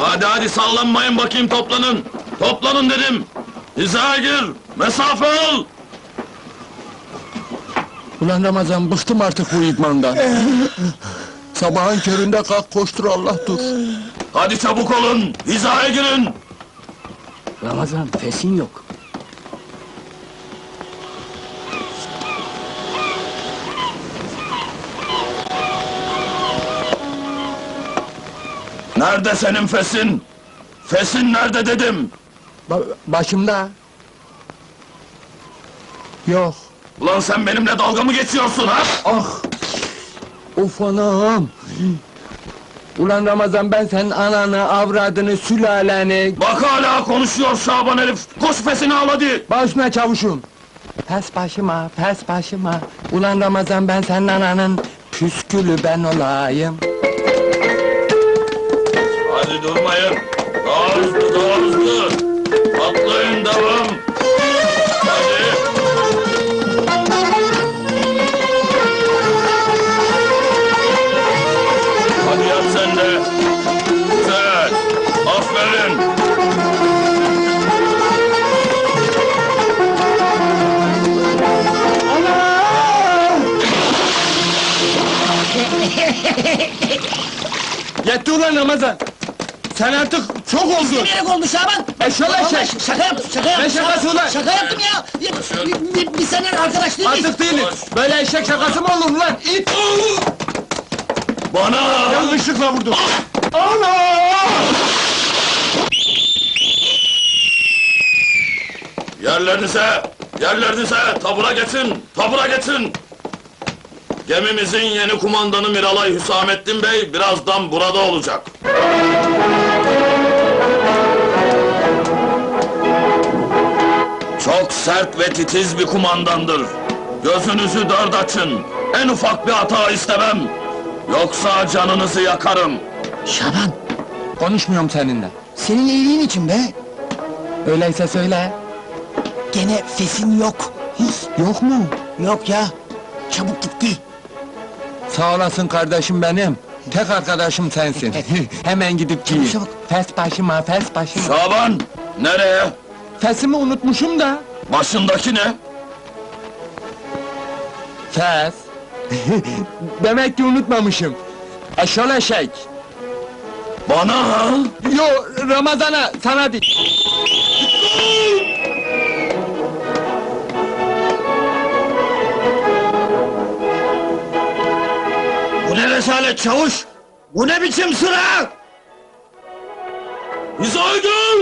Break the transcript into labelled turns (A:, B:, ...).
A: Hadi hadi sallanmayın bakayım, toplanın! Toplanın dedim! Hizaya gir! Mesafe al!
B: Ulan Ramazan, bıktım artık bu idmandan. Sabahın köründe kalk koştur, Allah dur.
A: Hadi çabuk olun! Hizaya girin!
B: Ramazan, fesin yok.
A: Nerede senin fesin? Fesin nerede dedim!
B: Başımda. Yok.
A: Ulan sen benimle dalga mı geçiyorsun ha?
B: Ah! Of anam! Ulan Ramazan, ben senin ananı, avradını, sülaleni...
A: Bak hala konuşuyor Şaban herif! Koş fesini al hadi!
B: Başına çavuşum! Pes başıma, pes başıma! Ulan Ramazan, ben senin ananın püskülü ben olayım!
A: Hadi durmayın! Daha hızlı, daha hızlı! Atlayın, devam! Hadi! Hadi yap sen de! Güzel! Aferin!
B: Yetti ulan Ramazan! Sen artık çok oldun!
C: İstemeyerek oldu Şaban!
B: Eşşoğlu
C: Vallahi
B: eşek!
C: şaka yaptım, şaka yaptım!
B: Ne şakası ulan?
C: Şaka yaptım ya! Biz seninle arkadaş değil miyiz?
B: Artık değiliz! Böyle eşek şakası mı olur lan? İt!
A: Bana!
B: Yanlışlıkla vurdum! Ana!
A: Yerlerinize! Yerlerinize! Tabura geçin! Tabura geçin! Gemimizin yeni kumandanı Miralay Hüsamettin Bey birazdan burada olacak. Çok sert ve titiz bir kumandandır. Gözünüzü dört açın. En ufak bir hata istemem. Yoksa canınızı yakarım.
C: Şaban,
B: Konuşmuyorum seninle.
C: senin iyiliğin için be!
B: Öyleyse söyle.
C: Gene fesin yok!
B: Yok mu?
C: Yok ya! Çabuk gitti!
B: Sağ olasın kardeşim benim. Tek arkadaşım sensin. Hemen gidip giyin.
C: Çabuk.
B: Fes başıma, fes başıma.
A: Şaban! Nereye?
B: Fesimi unutmuşum da.
A: Başındaki ne?
B: Fes. Demek ki unutmamışım. Eşşoğlu eşek.
A: Bana ha?
B: Yo, Ramazan'a, sana değil.
A: Bu ne rezalet çavuş? Bu ne biçim sıra? Hizaya gir!